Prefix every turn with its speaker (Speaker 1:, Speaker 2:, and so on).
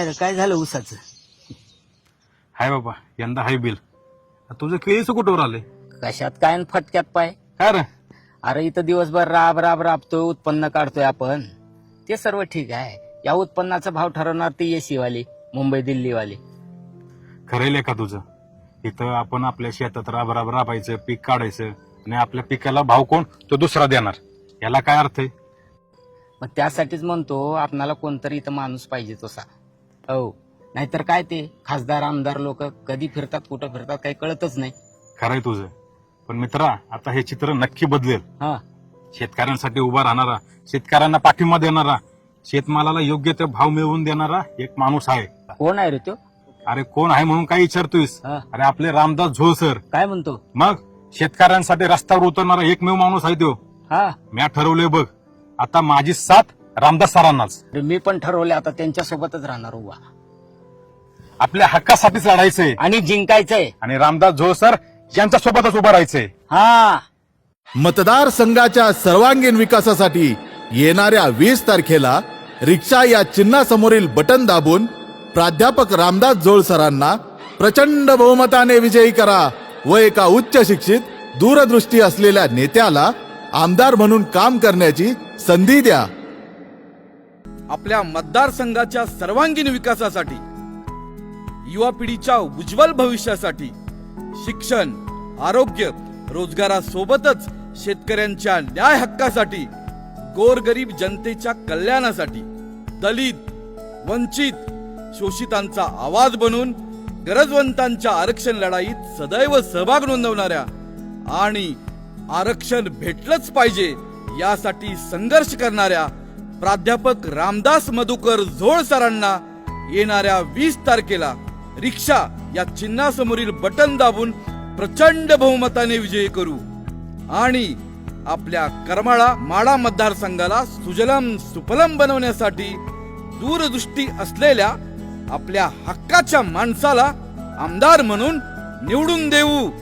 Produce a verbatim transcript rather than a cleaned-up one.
Speaker 1: काय रे, काय झालं ऊसाचं?
Speaker 2: हाय बाबा, यंदा हाय बिल. तुझं केळीचं कुठवर आले?
Speaker 1: कशात काय न फटक्यात पाय.
Speaker 2: काय रे?
Speaker 1: अरे इथं दिवसभर राब राब राबतोय, उत्पन्न काढतोय आपण, ते सर्व ठीक आहे. या उत्पन्नाचा भाव ठरवणार ती एसी वाली, मुंबई दिल्ली वाली.
Speaker 2: खरेल का तुझं? इथं आपण आपल्या शेतात राब राब राबायचं, पीक काढायचं आणि आपल्या पिकाला भाव कोण? तो दुसरा देणार. याला काय अर्थ आहे?
Speaker 1: मग त्यासाठीच म्हणतो आपणाला कोणतरी इथं माणूस पाहिजे तसा. हो, नाहीतर काय ते खासदार आमदार लोक कधी फिरतात कुठं फिरतात काही कळतच नाही.
Speaker 2: खरंय तुझं, पण मित्रा आता हे चित्र नक्की बदलेल.
Speaker 1: हा,
Speaker 2: शेतकऱ्यांसाठी उभा राहणारा, शेतकऱ्यांना पाठिंबा देणारा, शेतमालाला योग्य ते भाव मिळवून देणारा एक माणूस आहे.
Speaker 1: कोण आहे रे तो?
Speaker 2: अरे कोण आहे म्हणून काय विचारतोयस?
Speaker 1: हा.
Speaker 2: अरे आपले रामदास झोळ सर.
Speaker 1: काय म्हणतो?
Speaker 2: मग शेतकऱ्यांसाठी रस्त्यावर उतरणारा एकमेव माणूस आहे तो.
Speaker 1: हा,
Speaker 2: मी ठरवलंय बघ, आता माझी साथ रामदास सरांनाच.
Speaker 1: अरे मी पण ठरवले आता त्यांच्या सोबतच राहणार उभा
Speaker 2: आपल्या हक्कासाठीच लढायचंय
Speaker 1: आणि जिंकायचंय.
Speaker 2: आणि रामदास झोळ सर यांच्या सोबतच उभं राहायचंय.
Speaker 1: हा,
Speaker 3: मतदारसंघाच्या सर्वांगीण विकासासाठी येणाऱ्या वीस तारखेला रिक्षा या चिन्हासमोरील बटन दाबून प्राध्यापक रामदास झोळ सरांना प्रचंड बहुमताने विजयी करा व एका उच्च शिक्षित दूरदृष्टी असलेल्या नेत्याला आमदार म्हणून काम करण्याची संधी द्या.
Speaker 4: आपल्या मतदारसंघाच्या सर्वांगीण विकासासाठी, युवा पिढीच्या उज्ज्वल भविष्यासाठी, शिक्षण, आरोग्य, रोजगारासोबतच शेतकऱ्यांच्या न्याय हक्कासाठी, गोरगरीब जनतेच्या कल्याणासाठी, दलित, वंचित, शोषितांचा आवाज बनून गरजवंतांच्या आरक्षण लढाईत सदैव सहभाग नोंदवणाऱ्या आणि आरक्षण भेटलंच पाहिजे यासाठी संघर्ष करणाऱ्या प्राध्यापक रामदास मधुकर झोळ सरांना येणाऱ्या वीस तारखेला रिक्षा या चिन्हासमोरील बटन दाबून प्रचंड बहुमताने विजयी करू आणि आपल्या करमाळा माडा मतदारसंघाला सुजलम सुफलम बनवण्यासाठी दूरदृष्टी असलेल्या आपल्या हक्काच्या माणसाला आमदार म्हणून निवडून देऊ.